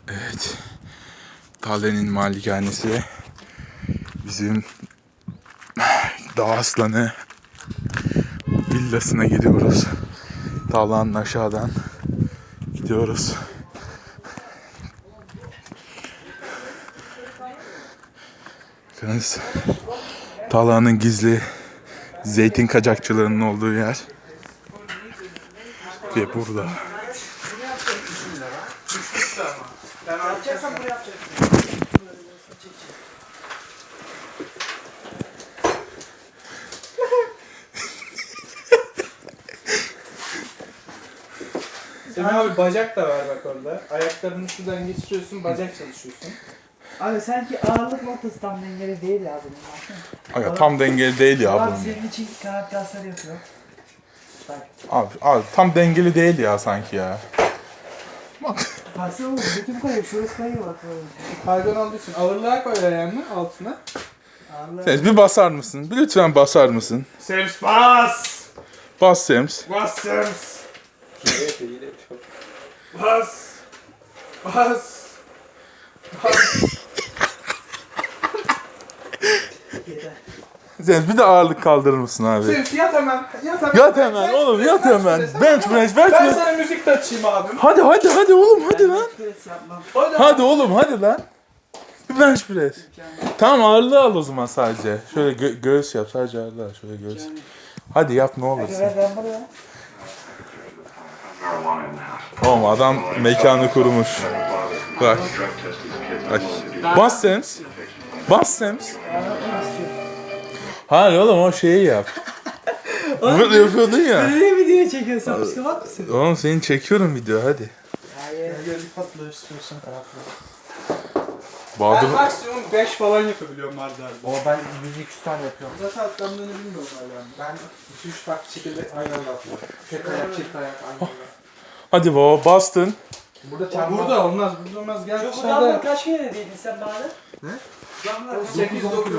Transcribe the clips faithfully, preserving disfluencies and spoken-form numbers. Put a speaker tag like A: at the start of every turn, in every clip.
A: Evet. Talha'nın malikanesi. Bizim Dağ Aslanı villasına gidiyoruz. Talha'nın aşağıdan gidiyoruz. Bakınız. Talha'nın gizli zeytin kaçakçılarının olduğu yer. Ve burada.
B: Ben yapacaksan bunu yapacaksın.
C: Semih abi bacak da var bak orada. Ayaklarını şuradan geçiriyorsun, bacak çalışıyorsun.
B: Abi sanki ağırlık noktası tam dengeli değil ya bunun.
A: Aga, tam dengeli değil ya
B: Abi
A: bunun.
B: senin için kanat kasları yapıyor. Bak.
A: Abi, abi tam dengeli değil ya sanki ya.
B: Baksana oğlum bütün kayıyor. Şurası kayıyor bak böyle.
C: Kaygan olduğu için ağırlığa koy ayağını altına.
B: Ağırlık.
A: Sems bir basar mısın? Bir lütfen basar mısın?
C: Sems bas!
A: Bas Sems.
C: Bas Sems! Bas! Bas! Bas!
A: Sems bir de ağırlık kaldırır mısın abi?
C: Sems yat hemen, yat hemen.
A: Yat hemen oğlum yat hemen. Bench press bench
C: Ben
A: press.
C: sana müzik de açayım abim.
A: Hadi hadi hadi oğlum hadi lan.
B: Pres yapmam.
C: Hadi.
A: Hadi oğlum hadi lan. Bir bench press. Tamam ağırlığı al o zaman sadece. Şöyle gö- göğüs yap sadece ağırlığı al. Şöyle göğüs. Hadi yap ne olursun.
B: Evet ben buraya.
A: Oğlum adam mekanı kurmuş. Bak. Bak. Bas Sems. Bas Sems. Hayır oğlum o şeyi yap. Böyle yapıyordun ya.
B: Böyle video çekiyorsun. Psikopat mısın?
A: Oğlum seni çekiyorum video hadi.
B: Hayır.
C: Gel patla istiyorsan.
A: Bahadır.
C: Ben maksimum beş falan yapabiliyorum Mardar'da.
B: O ben yüz iki yüz tane yapıyorum.
C: Zaten atlandığını bilmiyorum hala. Ben iki üç farklı şekilde aynı anda atlıyorum. Tek ayak, çift ayak aynı anda.
A: Hadi baba bastın.
C: Burada çarpma. Burada olmaz, burada olmaz. Gel
B: Yok bu
C: dışarıda.
B: damla kaç kere dediydin sen bana?
C: Ne?
B: Damla
C: sekiz dokuz.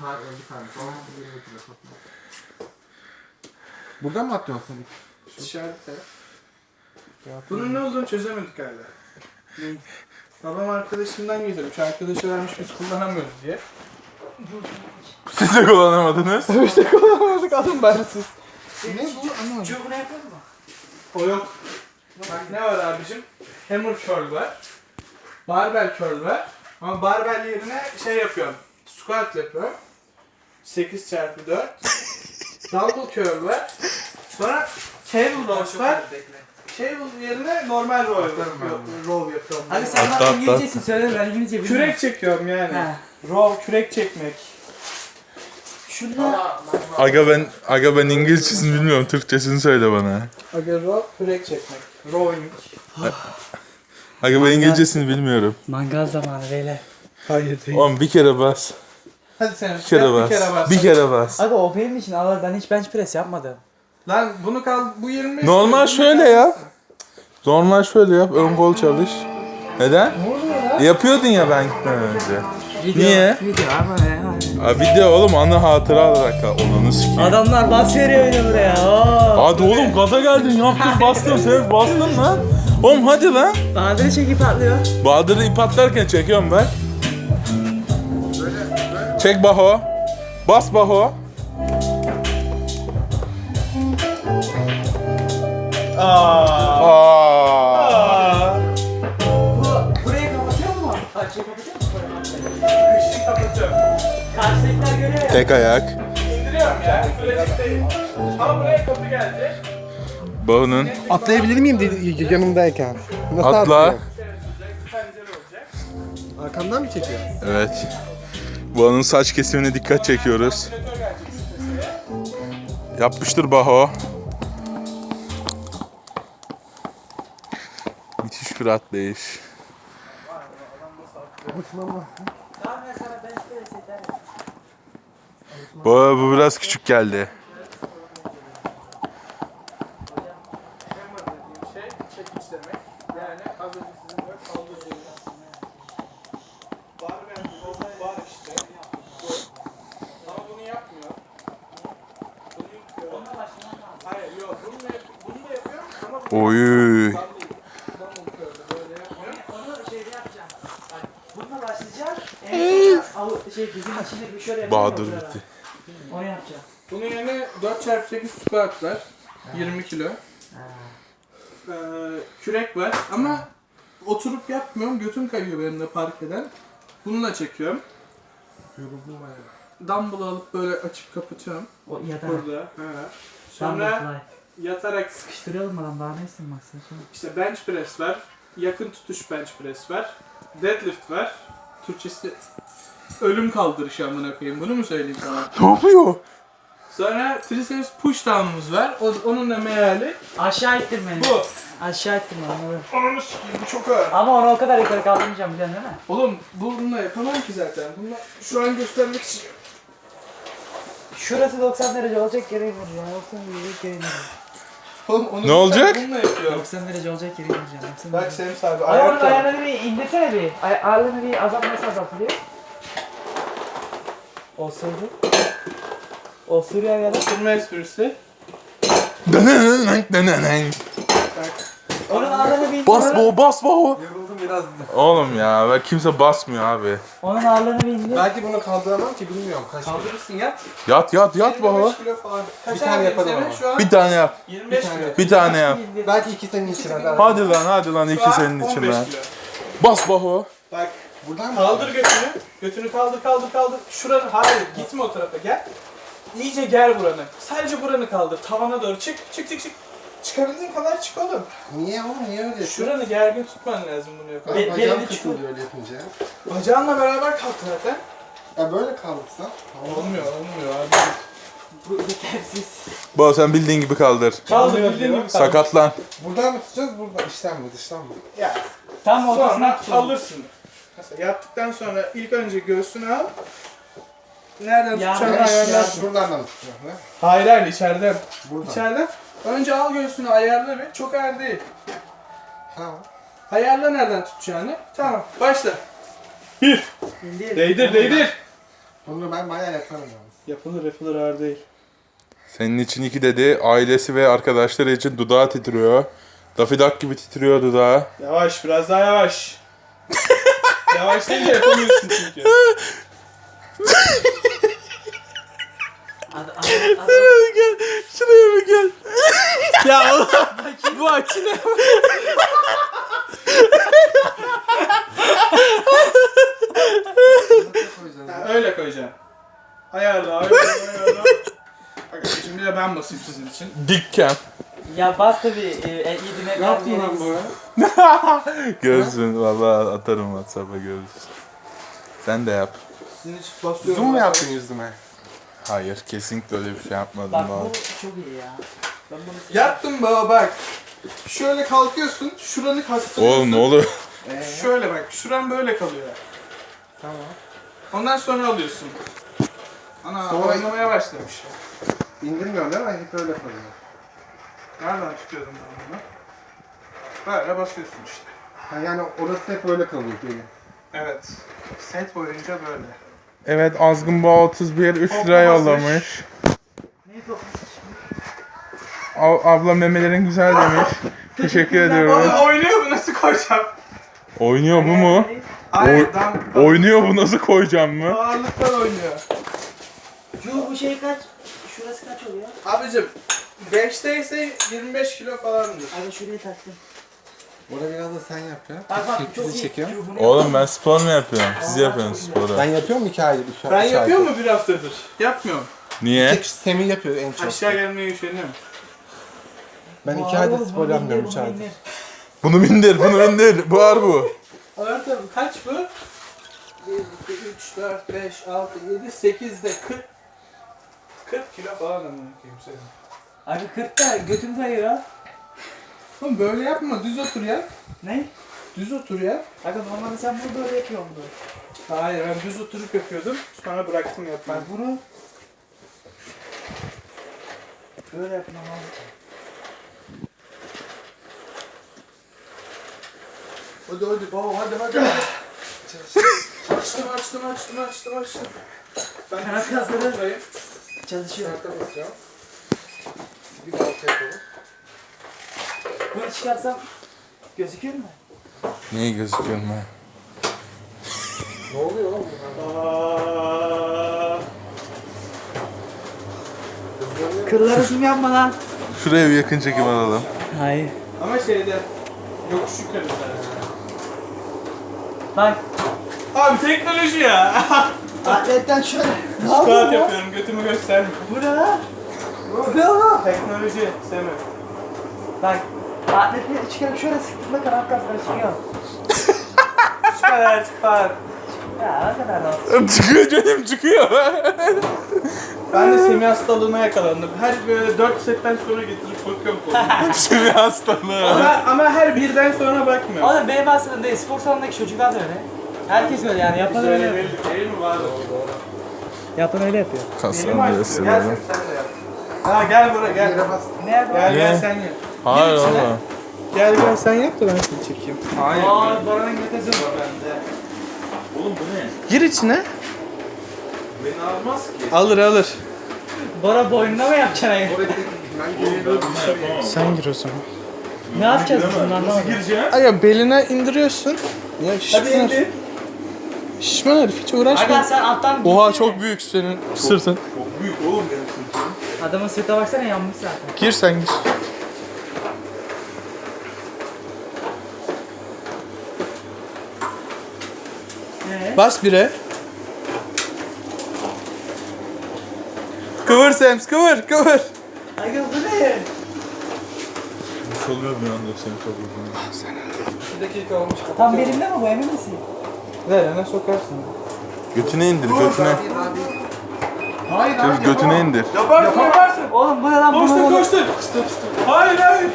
D: Buradan mı atlıyorsun sen?
C: Dışarıda. Bunun ne olduğunu çözemedik hala.
B: Ne?
C: Babam arkadaşımdan getirmiş. Arkadaşı vermiş biz kullanamıyoruz diye.
A: Siz de kullanamadınız.
C: İşte kullanamadık alın bensiz.
B: Ne bu? Anlamadım. Çubuğunu yapalım mı?
C: O yok. Bak ne var abicim? Hammer curl var. Barbell curl var. Ama barbell yerine şey yapıyorum. Squat yapıyorum. sekiz çarpı dört. Dumbbell curl var. Sonra table rows var. Table yerine normal row yapıyorum. Row yapıyorum.
B: Abi sen
A: Atla,
B: bana
A: atla.
B: İngilizcesin söyle ben İngilizce bilmiyorum.
C: Kürek çekiyorum yani.
B: Ha.
C: Row, kürek çekmek.
B: Şunlar.
A: Aga ben aga ben İngilizcesini bilmiyorum. Türkçesini söyle bana.
C: Aga row, kürek çekmek. Rowing.
A: Aga ben İngilizcesini bilmiyorum.
B: Mangal zamanı beyler.
C: Hayır değil.
A: Oğlum bir kere bas.
C: Hadi sen
A: Bir kere bas.
C: bir kere bas.
A: Bir kere bas.
B: Abi o benim için ağır ben hiç bench press yapmadım.
C: Lan bunu kal bu yirmi beş.
A: Normal
C: bunu
A: şöyle
C: kal-
A: yap. Normal şöyle yap. Ön kol çalış. Neden?
C: Ne oluyor lan?
A: Yapıyordun ya ben gitmeden önce. Niye?
B: Video abi ne?
A: Abi video oğlum anı hatıra olarak kal. Onunu sikeyim.
B: Adamlar bas veriyor bir de buraya. Oo.
A: Hadi oğlum gaza geldin yaptın bastın sen bastın lan. Oğlum hadi lan.
B: Bahadır'ı çekip atlıyor.
A: Bahadır'ı ip atlarken çekiyorum ben. Çek Baho. Bas Baho.
C: Aa.
A: Aa.
B: Bu burayı kapatıyor mu? Karşıyı kapatıyor mu?
C: Kışlık kapatıyorum.
B: Karşıdakiler görüyor ya.
A: Tek ayak.
C: İndiriyorum ya. Sürecek değil. Ama buraya kapı gelecek.
A: Baho'nun
D: Atlayabilir miyim dedi yanımdayken? Nasıl
A: atla.
D: atlayayım?
C: Pencere olacak.
D: Arkamdan mı çekiyor?
A: Evet. Baho'nun saç kesimine dikkat çekiyoruz.
C: Ventilatör gelecek seseye.
A: Yapmıştır Baho. Müthiş bir atlayış.
B: Tamam ben sana bench press ederim.
A: Baho bu biraz küçük geldi.
C: Hammer dediğim şey çekiç demek. Yani az önce sizin böyle kaldırdığınız. Barbell row var işte. Bu. Ama bunu yapmıyor. Bunu yapıyor. Hayır yok. Bunu da, yap- bunu da yapıyorum ama bu
A: Oy.
C: Dumbbell- dumbbell curl'ü böyle yapmıyor.
B: Onu şeyde yapacağım. yapacağım? Bak, bununla başlayacağım. En son al, şey dizinin içinde bir şöyle yapayım.
A: Bahadır
B: oturarak.
A: bitti.
B: Onu yapacağım.
C: Bunun yerine dört çarpı sekiz squat var. yirmi kilo.
B: Ha.
C: Ee, kürek var ama oturup yapmıyorum. Götüm kayıyor benim de park eden. Bununla çekiyorum.
D: Yoruldum bayağı.
C: Dumbbell alıp böyle açıp kapatıyorum.
B: O yatar.
C: Burada. He.
B: Sonra
C: Sonra yatarak
B: sıkıştıralım adam daha ne istedim baksana sonra.
C: işte bench press var. Yakın tutuş bench press var. Deadlift var. Türkçesi ölüm kaldırışı amına koyayım. Bunu mu söyleyeyim sana?
A: Ne yapıyor?
C: Sonra triceps push down'umuz var. O, onun da meali
B: Aşağı ittir beni.
C: bu.
B: Aşağı ittir beni.
C: Ananı sikeyim bu çok ağır.
B: Ama onu o kadar yukarı kaldırmayacağım biliyorsun değil mi?
C: Oğlum bununla yapamam ki zaten. Bununla şu an göstermek için.
B: Şurası doksan derece olacak yere indir ya. doksan derece yere indir.
C: Oğlum onu
A: Ne olacak?
C: bununla yapıyorum.
B: doksan derece olacak yere indireceğim. doksan
C: Bak
B: derece.
C: Sems abi
B: Ay onun
C: ayakta.
B: ayarını bir indirsene bir. Ay ağırlığını bir azalt nasıl azaltılıyor? Olsaydı. Olsaydı ya da.
C: Oturma esprisi.
A: Denenenenk denenenk.
C: Bak.
B: Onun ağırlığını bir
A: Bas bo bas bo.
D: Yoruldum biraz.
A: Oğlum ya ben kimse basmıyor abi.
B: Onun ağırlığını bir indir.
D: Belki bunu kaldıramam ki bilmiyorum kaç.
C: Kaldırırsın yat.
A: Yat yat yat
C: yirmi
A: bo.
C: beş kilo falan. Kaç
D: Bir tane
C: abi
D: yapalım
C: senin
D: ama.
C: Şu an
A: Bir tane yap.
C: yirmi beş
D: Bir tane
C: kilo.
D: yap.
A: Bir tane yap.
B: İndir.
D: Belki iki senin için hadi.
A: Hadi lan hadi lan
C: Şu
A: iki
C: an
A: senin
C: on
A: için
C: beş
A: lan.
C: kilo.
A: Bas bo.
C: Bak
D: Buradan mı?
C: kaldır götünü. Götünü kaldır kaldır kaldır. Şuranı hayır gitme o tarafa gel. İyice ger buranı. Sadece buranı kaldır. Tavana doğru çık. Çık çık çık. Çıkabildiğin kadar çık oğlum.
D: Niye oğlum niye öyle yapıyorsun?
C: Şuranı gergin tutman lazım bunu yaparken.
B: Be-
D: Bacağım
B: belini
D: kısıldı öyle yapınca.
C: Bacağınla beraber kalk zaten.
D: Ya böyle kaldırsam.
C: Olmuyor olmuyor abi.
B: Bu yetersiz.
A: Bo sen bildiğin gibi kaldır.
C: Kaldır
D: Olmuyor
C: bildiğin
D: diyor.
C: gibi kaldır.
A: Sakatlan.
D: Buradan mı tutacağız buradan? İçten mi dıştan mı?
C: Ya
B: Tam ortasına
C: sonra
B: tutalım.
C: alırsın. Mesela yaptıktan sonra ilk önce göğsünü al. Nereden
B: Ya
C: tutacağını
B: ben-
C: ayarlarsın.
D: Buradan da mı tutacağım? Ne?
C: Hayır hayır içeriden.
D: Buradan.
C: İçeriden. Önce al göğsünü ayarla bir. Çok ağır değil.
D: Tamam.
C: Ayarla nereden tutacağını. Tamam başla. Bir.
B: İndir.
C: Değdir değdir.
D: Bunu ben bayağı yaparım yalnız.
C: Yapılır yapılır ağır değil.
A: Senin için iki dedi. Ailesi ve arkadaşları için dudağı titriyor. Daffy Duck gibi titriyor dudağı.
C: Yavaş biraz daha yavaş. Yavaş deyince yapamıyorsun çünkü.
B: Ad, ad, ad,
A: Gel. Şuraya bir gel.
C: Ya oğlum bu açı ne?
D: Nasıl koyacağız?
C: Ha, öyle koyacaksın. Ayarla ayarla ayarla. Bak şimdi de ben basayım sizin için.
A: Dikken.
B: Ya bas da bir e, e, yedime
D: Ne yaptın lan bu?
A: Görürsün valla atarım WhatsApp'a görürsün. Sen de yap.
C: Sizin için basıyorum.
D: Zoom mu yaptın yüzüme?
A: Hayır kesinlikle öyle bir şey yapmadım.
B: Bak
A: daha.
B: bu çok iyi ya. Ben bunu
C: Yaptım baba bak. Şöyle kalkıyorsun, şuranı kastırıyorsun.
A: Oğlum ne oluyor?
D: Ee,
C: Şöyle bak, şuran böyle kalıyor.
D: tamam.
C: Ondan sonra alıyorsun. Ana,
D: Sonra-
C: oynamaya başlamış.
D: İndirmiyorum değil mi? Hep öyle kalıyor.
C: Nereden tutuyordum ben bunu? Böyle basıyorsun işte.
D: Ha, yani orası hep öyle kalıyor benim.
C: Evet. Set boyunca böyle.
A: Evet Azgın Boğa otuz bir üç lira yollamış.
B: ne yapıyorsun?
A: A- abla memelerin güzel demiş. Teşekkür ediyorum.
C: Oğlum oynuyor bu nasıl koyacağım?
A: Oynuyor bu mu?
C: Hayır,
A: Oy-
C: dam,
A: Oynuyor bu nasıl koyacağım mı?
C: ağırlıktan oynuyor.
B: Şu bu şey kaç? Şurası kaç oluyor?
C: Abicim, beşteyse yirmi beş kilo falandır.
B: Abi şurayı taktım.
D: Orada biraz da sen yap ya.
B: Bak bak çok
D: Bizi
B: iyi.
D: çekiyorum.
B: Şu bunu
A: Oğlum
B: yapalım.
A: ben spor mu yapıyorum? Siz
B: Aa,
A: yapıyorsunuz
B: çok
A: sporu.
D: Ben yapıyorum iki aydır. Üç,
C: Ben
D: üç
C: yapıyor
D: aydır.
C: mu bir haftadır? Yapmıyorum.
A: Niye?
D: Tek Semih yapıyor en çok.
C: Aşağı gelmeye üşeniyorum.
D: Ben
B: Bu
D: iki
B: ağır
D: aydır
B: oğlum,
D: spor
B: bunu
D: yapmıyorum
B: indir,
D: üç
B: bunu
D: aydır.
B: indir.
A: Bunu bindir, bunu bindir. Bu ağır bu.
C: Ağır tabii. Kaç bu? bir, iki, üç, dört, beş, altı, yedi, sekiz de kırk. kırk kilo falan amına koyayım senin.
B: Abi kırkta götüm kayıyor.
C: Oğlum böyle yapma, düz otur ya.
B: Ne?
C: Düz otur ya.
B: Aga normalde sen bunu böyle yapıyorsun böyle.
C: Hayır, ben düz oturup yapıyordum. Sonra bıraktım yapmayı.
B: Bak bunu böyle yapmam lazım.
C: Hadi hadi baba, hadi hadi. hadi. açtım, açtım, açtım, açtım, açtım. Ben
B: Kanat
C: şuraya
B: kasları.
C: oturayım.
B: Çalışıyor.
D: Arka basacağım. Bir de altı yapalım.
B: Bunu çıkarsam gözüküyor mu?
A: Niye gözüküyorum ben?
D: Ne oluyor oğlum?
C: Aa,
B: Kılları zoom yapma lan.
A: Şuraya bir yakın çekim alalım.
B: Hayır.
C: ama şeyde yokuş yukarı sadece.
B: Bak.
C: Abi teknoloji ya.
B: Atletten şöyle. Ne
C: Squat
B: yapıyorsun ya?
C: yapıyorum götümü gösterme.
B: Bu ne lan? Bu ne oğlum?
C: Teknoloji Semih.
B: Bak. Atletleri çıkarıp şöyle sıktığında kanat kasları çıkıyor.
C: Şu kadar çıkar.
B: Ya ne kadar rahat.
A: Çıkıyor canım çıkıyor.
C: Ben de Semih hastalığına yakalandım. Her böyle dört setten sonra getirip bakıyorum koluma.
A: Şimdi hastalığı.
C: ama, ama her birden sonra bakmıyorum.
B: Oğlum benim aslında değil. Spor salonundaki çocuklar da öyle. Herkes öyle yani. Yapan
C: Biz
B: öyle
C: öyle
B: yapıyor.
C: belli değil mi vardı?
B: Yapan öyle yapıyor.
C: Benim
A: Kaslarını
C: açtım. Gel
A: gösteriyorum.
C: sen, sen de yap. Ha gel buraya gel.
D: Yere bas.
B: Nerede
C: Gel
A: Ne?
C: gel sen yap.
A: Hayır
C: Gir içine.
A: ama.
C: Gel gel sen yap da ben seni çekeyim. Hayır.
B: Aa, Baran'ın götesi var bende.
A: Oğlum bu ne?
C: Gir içine.
A: Beni almaz ki.
C: Alır alır.
B: Bora boynuna mı yapacaksın?
D: Oraya tek ben geliyorum.
C: Sen gir o zaman.
B: Ne yapacağız biz bunu anlamadım.
A: gireceğim?
C: Aga beline indiriyorsun. Ya şişman
B: Hadi indi.
C: herif. Şişman herif hiç uğraşma.
B: Aga sen alttan
C: Oha
B: girsene.
C: çok büyük senin sırtın.
A: Çok büyük oğlum benim sırtım.
B: Adamın sırtına baksana yanmış zaten.
C: Gir sen gir.
B: Ee?
C: Bas bire. Kıvır Sems kıvır kıvır.
B: Aga bu ne?
A: Çalıyor bir anda seni çok uzun.
C: Bir dakika olmuş.
B: Tam belimde mi bu emin misin?
C: Nereye sokarsın?
A: Götüne indir götüne.
D: Hayır
A: Göz götüne indir.
C: Yaparsın yaparsın.
B: Oğlum bu ne lan?
C: Koştur
B: Bunu-
C: koştur. Hayır hayır.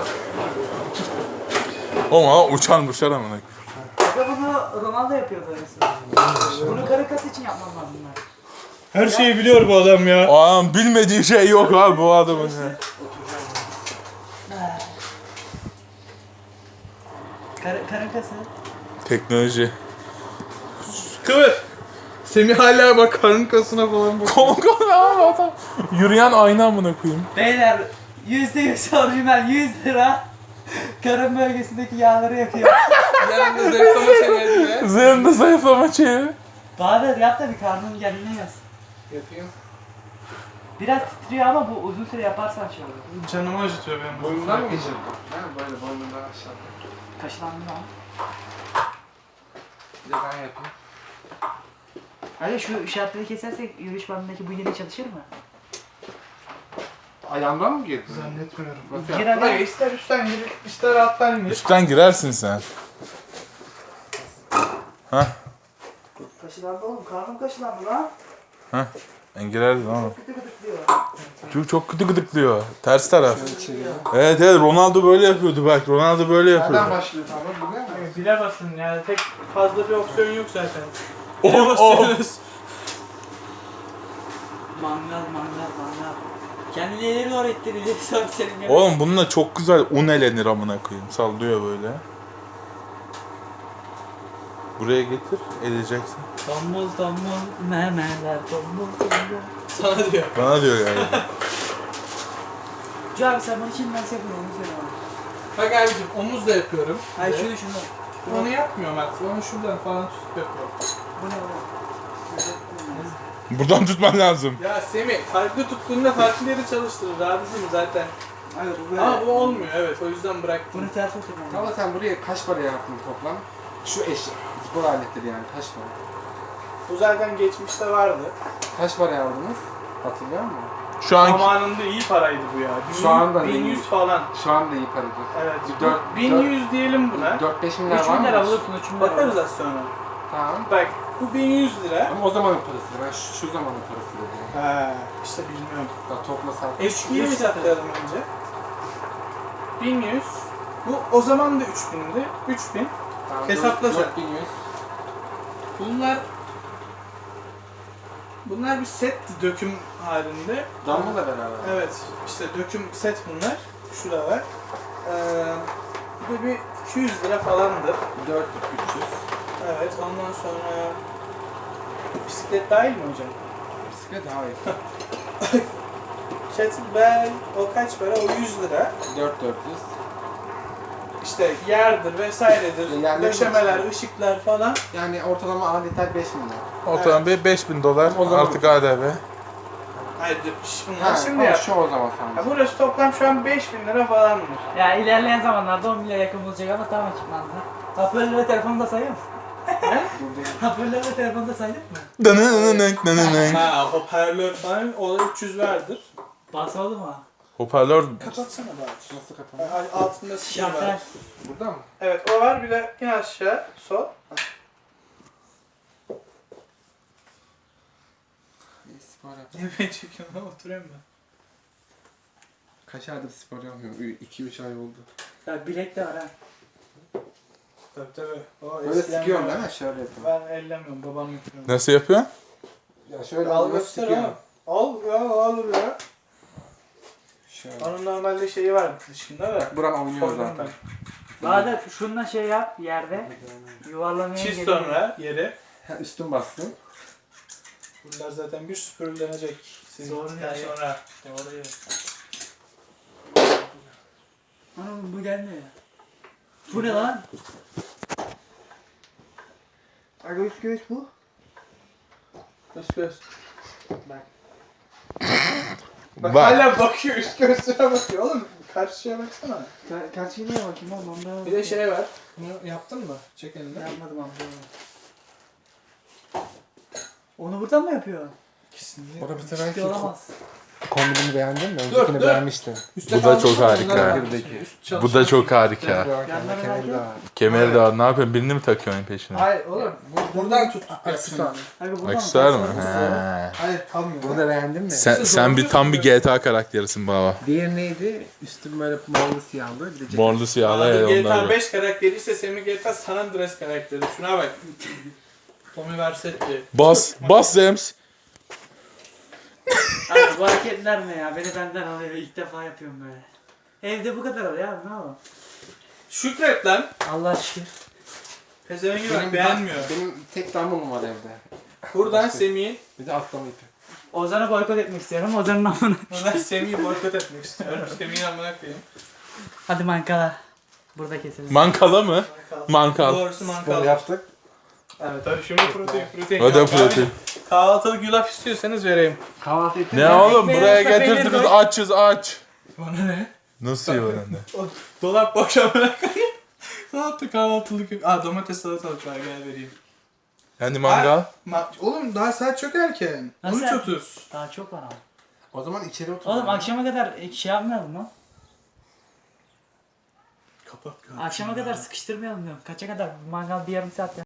A: Oğlum ha uçan uçar amına.
B: Aga bunu Ronaldo yapıyordu öylesi. Bunu karı kası için yapmam lazım ben.
C: Her şeyi biliyor bu adam ya.
A: Ağam bilmediği şey yok abi bu adamın. ya.
B: Karı, karı kası.
A: Teknoloji.
C: Kıvır. Semih hala bak karın kasına falan bak.
A: Konka ne abi adam? Yürüyen ayna amına koyayım.
B: Beyler yüzde yüz orijinal yüz lira. Karın bölgesindeki yağları yakıyor.
C: Yanında zayıflama senedi be.
A: Üzerinde zayıflama şeyi.
B: Bahadır yap da bir karnın kendine yaz.
D: Yapayım.
B: Biraz titriyor ama bu uzun süre yaparsan şey olur.
C: Canımı acıtıyor benim.
D: Boyundan mı geçirdin? Ha böyle boynundan aşağı.
B: Kaşılandın ama.
D: Bir de ben yapayım.
B: Hadi şu işaretleri kesersek yürüyüş bandındaki bu yine çalışır mı?
D: Ayağımdan mı girdin?
C: Zannetmiyorum.
D: Nasıl
B: Gir
D: yaptın?
C: Bak
B: hadi.
C: ister üstten gir, ister alttan gir.
A: Üstten girersin sen. Hah.
B: Kaşılandı oğlum. Karnım kaşılandı lan.
A: Hah. Ben girerdim ama.
B: Gıdı gıdıklıyor.
A: Çünkü çok kötü gıdıklıyor. Ters taraf.
D: İçeriye.
A: Evet evet Ronaldo böyle yapıyordu bak. Ronaldo böyle
D: Nereden
A: yapıyordu.
D: başlıyor tamam biliyor musun?
C: Bile basın yani tek fazla bir opsiyon yok zaten.
A: Oh,
C: Bile
A: oh.
C: basıyorsunuz.
B: Mangal mangal mangal. Kendini ileri doğru ittir. İleri sonra senin gibi.
A: Oğlum bununla çok güzel un elenir amına koyayım. Sallıyor böyle. Buraya getir, edeceksin.
B: Tombul tombul memeler tombul tombul.
C: Sana diyor.
A: Bana diyor galiba.
B: Hacı abi sen bunu şimdi nasıl yapıyorsun onu söyle bana.
C: Bak abicim omuz da yapıyorum.
B: Hayır şunu şunu.
C: Onu yapmıyorum artık. Onu şuradan falan tutup yapıyorum.
B: Bu ne oğlum?
A: Buradan tutman lazım.
C: Ya Semih farklı tuttuğunda farklı yeri çalıştırır. Abicim zaten.
B: Hayır bu böyle.
C: Ama bu olmuyor evet o yüzden bıraktım.
B: Bunu ters oturmam lazım.
D: Ama sen buraya kaç para yaptın toplam? Şu eşya, spor aletleri yani kaç para?
C: Bu zaten geçmişte vardı.
D: Kaç para aldınız? Hatırlıyor musun?
A: Şu an
C: Zamanında iyi paraydı bu ya.
D: Şu anda
C: bin
D: iyi.
C: yüz falan.
D: Şu anda iyi paradır.
C: Evet.
D: Bir dört-
C: bin yüz diyelim buna.
D: dört beş milyar
B: üç
D: var
B: bin
D: mı?
B: lira bulursun üç bin lira.
C: Bakarız az sonra.
D: Tamam.
C: Bak bu bin yüz lira.
D: Ama o zamanın parası. Ben şu, şu zamanın parası dedim.
C: Ha, işte bilmiyorum.
D: Da toplasak.
C: Eskiyi mi saklayalım önce? bin yüz. Bu o zaman da üç bindi. üç bin.
D: Tamam,
C: hesapla sen.
D: dört bin yüz.
C: Bunlar Bunlar bir set döküm halinde.
D: Damla beraber.
C: Evet, işte döküm set bunlar. Şurada var. Ee, bu da bir iki yüz lira falandır.
D: dört üç yüz.
C: Evet, ondan sonra bisiklet dahil mi hocam?
D: Bisiklet hayır.
C: Kettlebell o kaç para? O yüz lira.
D: dört dört yüz.
C: işte yerdir vesairedir,
D: Yerleri
C: döşemeler,
D: var.
C: ışıklar falan.
D: Yani ortalama aletler beş bin lira.
A: Ortalama bir beş bin dolar
D: O zaman-
A: artık A D V.
C: Hayır bunlar
D: Ha,
C: şimdi
D: o
C: ya.
D: şu o zaman
C: Ya
D: sadece.
C: burası toplam şu an beş bin lira falandır.
B: Ya ilerleyen zamanlarda on milyara yakın bulacak ama tam ekipmanlı. Hoparlör ve telefonu da sayıyor musun? Hoparlör ve telefonu da saydık mı?
A: Dınınınınık, dınınınık.
C: Ha hoparlör falan o da üç yüz vardır.
B: Basmadı mı?
A: Hoparlör
C: Kapatsana Bahadır.
D: Nasıl kapanıyor?
C: Ay, Altında sil var.
B: Şartel.
D: Burada mı?
C: Evet o var bir de in aşağı sol.
D: İyi, spor yap.
C: Ne ben çekiyorum lan oturuyorum ben.
D: Kaç aydır spor yapmıyorum? iki üç ay oldu.
B: Ya bilek de var ha.
C: Tabii tabii. O
D: Böyle
C: eskiden
D: sıkıyorum
C: böyle.
D: değil mi? Şöyle yapıyorum.
C: Ben ellemiyorum babam yapıyor.
A: nasıl yapıyor?
D: Ya şöyle
C: Al
D: alıyorum,
C: göster
D: sıkıyorum.
C: oğlum. Al ya al ya.
D: Şöyle.
C: Onun normalde şeyi var dışında da.
D: Bak buram oynuyor
C: Sordum
D: zaten.
C: ben.
B: Bahadır şununla şey yap yerde. Yuvarlamaya
C: Çiz
B: geliyor.
C: sonra yeri.
D: Ha, üstüm bastım.
C: Bunlar zaten bir süpürülenecek. Sizin
B: Doğru
C: gittikten
B: ya.
C: sonra.
B: Doğru ya. Anam bu gelmiyor ya. Bu ne lan? Aga üst göğüs bu.
C: Göz göz. Bak. Bak
A: Bak.
C: hala bakıyor üst göğsüne bakıyor oğlum. Karşıya baksana.
B: Kaçıyı neye bakayım oğlum onda.
C: Bir de şey var. Bunu yaptın mı? Çek elini.
B: Yapmadım abi. Onu buradan mı yapıyor?
C: İkisini.
D: O da bir
B: Ciddi
D: sefer
B: olamaz.
D: kombinimi beğendin mi?
C: Dur,
D: Öncekini
C: dur.
D: beğenmiştim.
C: Üste
A: Bu da çok
C: kaldırsana,
A: harika.
C: bunları bak.
D: Birdeki.
C: Üst
A: Bu da çok harika.
B: Yanlara
D: Kemeri de
B: nerede?
D: var.
A: Kemeri de var. Ne yapıyorsun? Birini mi takıyorsun peşine?
C: Hayır oğlum. Buradan tut.
D: Aksesuar.
B: Aga buradan
A: Aksesuar mı?
B: mı?
A: He.
C: Hayır kalmıyor.
D: Bunu da beğendin mi?
A: Sen, sen bir tam bir G T A karakterisin baba.
D: Diğeri neydi? Üstüm böyle morlu siyahlı. Bir de ceket.
A: Morlu siyahlı
C: G
A: evet
C: T A
A: onlar.
C: beş karakteri ise Semih G T A San Andreas karakteri. Şuna bak. Tommy Versetti.
A: Bas, bas Zems.
B: Abi bu hareketler ne ya? Beni benden alıyor. İlk defa yapıyorum böyle. Evde bu kadar oluyor abi ne yapalım?
C: Şükret lan.
B: Allah şükür.
C: Pezevengi
D: Benim,
C: bak beğenmiyor.
D: benim tek damlum var evde.
C: Buradan Semih'i,
D: Bir de atlama ipi.
B: Ozan'ı boykot etmek istiyorum. Ozan'ın amına.
C: buradan Semih'i boykot etmek istiyorum. Semih'in amına koyayım.
B: Hadi mankala. Burada keselim.
A: Mankala mı? Mankal.
C: Doğrusu
D: Bunu
C: mankal.
D: yaptık.
C: Evet hadi şimdi protein protein.
A: O da
C: Ya,
A: protein.
C: Kahvaltılık yulaf istiyorsanız vereyim.
D: Kahvaltı ettik.
A: Ne oğlum
B: ekmeği
A: buraya
B: arasına peynir
A: getirdiniz
B: koy.
A: açız aç.
C: Bana ne?
A: Nasıl yiyor önünde?
C: O dolap boş amına koyayım. Ne yaptı kahvaltılık yok. Aa domates salatalık var gel vereyim.
A: Yani mangal.
C: Ma oğlum daha saat çok erken.
B: Nasıl
C: on üç
B: erken?
C: otuz.
B: Daha çok var ama.
D: O zaman içeri otur.
B: Oğlum akşama kadar şey yapmayalım lan.
C: Kapat kapat.
B: Akşama kadar sıkıştırmayalım diyorum. Kaça kadar? Mangal bir yarım saat